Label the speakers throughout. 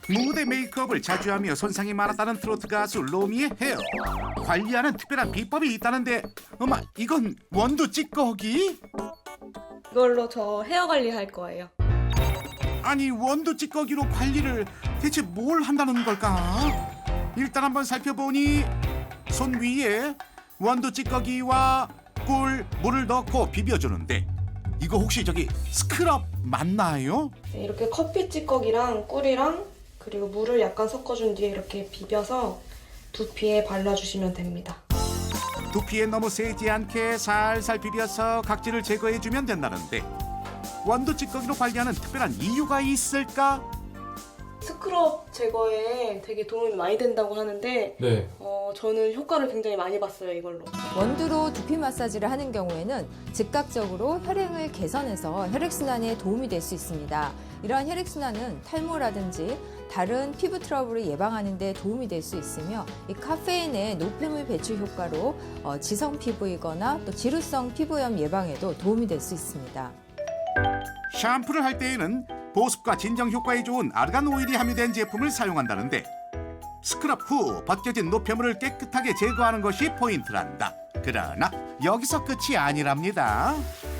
Speaker 1: 무대 메이크업을 자주 하며 손상이 많았다는 트로트 가수 로미의 헤어. 관리하는 특별한 비법이 있다는데, 엄마, 이건 원두 찌꺼기?
Speaker 2: 이걸로 저 헤어 관리할 거예요.
Speaker 1: 아니, 원두 찌꺼기로 관리를 대체 뭘 한다는 걸까? 일단 한번 살펴보니 손 위에 원두 찌꺼기와 꿀, 물을 넣고 비벼주는데, 이거 혹시 저기 스크럽 맞나요?
Speaker 2: 네, 이렇게 커피 찌꺼기랑 꿀이랑 그리고 물을 약간 섞어준 뒤에 이렇게 비벼서 두피에 발라주시면 됩니다.
Speaker 1: 두피에 너무 세지 않게 살살 비벼서 각질을 제거해주면 된다는데, 원두 찌꺼기로 관리하는 특별한 이유가 있을까?
Speaker 2: 스크럽 제거에 되게 도움이 많이 된다고 하는데
Speaker 3: 네.
Speaker 2: 저는 효과를 굉장히 많이 봤어요, 이걸로.
Speaker 4: 원두로 두피 마사지를 하는 경우에는 즉각적으로 혈행을 개선해서 혈액순환에 도움이 될 수 있습니다. 이러한 혈액순환은 탈모라든지 다른 피부 트러블을 예방하는 데 도움이 될 수 있으며, 이 카페인의 노폐물 배출 효과로 지성 피부이거나 또 지루성 피부염 예방에도 도움이 될 수 있습니다.
Speaker 1: 샴푸를 할 때에는 보습과 진정 효과에 좋은 아르간 오일이 함유된 제품을 사용한다는데, 스크럽 후 벗겨진 노폐물을 깨끗하게 제거하는 것이 포인트란다. 그러나 여기서 끝이 아니랍니다.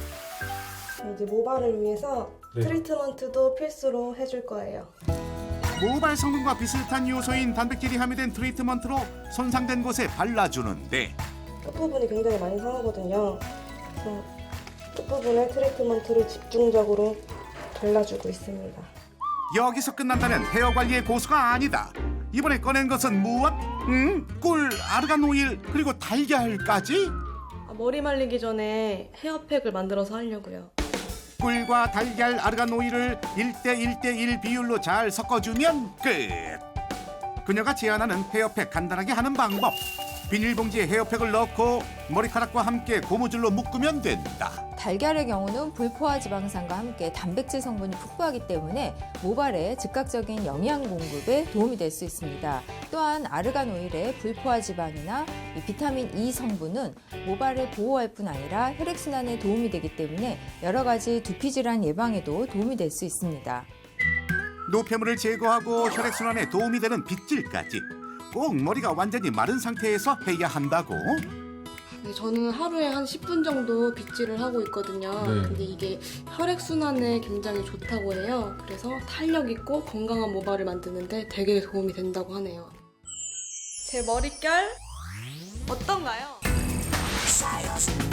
Speaker 2: 이제 모발을 위해서
Speaker 3: 네.
Speaker 2: 트리트먼트도 필수로 해줄 거예요.
Speaker 1: 모발 성분과 비슷한 요소인 단백질이 함유된 트리트먼트로 손상된 곳에 발라주는데,
Speaker 2: 끝부분이 굉장히 많이 상하거든요. 그래서 끝부분에 트리트먼트를 집중적으로 발라주고 있습니다.
Speaker 1: 여기서 끝난다면 헤어 관리의 고수가 아니다. 이번에 꺼낸 것은 무엇? 꿀, 아르간 오일, 그리고 달걀까지?
Speaker 2: 머리 말리기 전에 헤어팩을 만들어서 하려고요.
Speaker 1: 꿀과 달걀, 아르간 오일을 1대1대1 비율로 잘 섞어주면 끝. 그녀가 제안하는 헤어팩 간단하게 하는 방법. 비닐봉지에 헤어팩을 넣고 머리카락과 함께 고무줄로 묶으면 된다.
Speaker 4: 달걀의 경우는 불포화 지방산과 함께 단백질 성분이 풍부하기 때문에 모발에 즉각적인 영양 공급에 도움이 될 수 있습니다. 또한 아르간 오일의 불포화 지방이나 이 비타민 E 성분은 모발을 보호할 뿐 아니라 혈액순환에 도움이 되기 때문에 여러 가지 두피 질환 예방에도 도움이 될 수 있습니다.
Speaker 1: 노폐물을 제거하고 혈액순환에 도움이 되는 빗질까지 꼭 머리가 완전히 마른 상태에서 해야 한다고?
Speaker 2: 네, 저는 하루에 한 10분 정도 빗질을 하고 있거든요.
Speaker 3: 네.
Speaker 2: 근데 이게 혈액순환에 굉장히 좋다고 해요. 그래서 탄력 있고 건강한 모발을 만드는데 되게 도움이 된다고 하네요. 제 머릿결 어떤가요?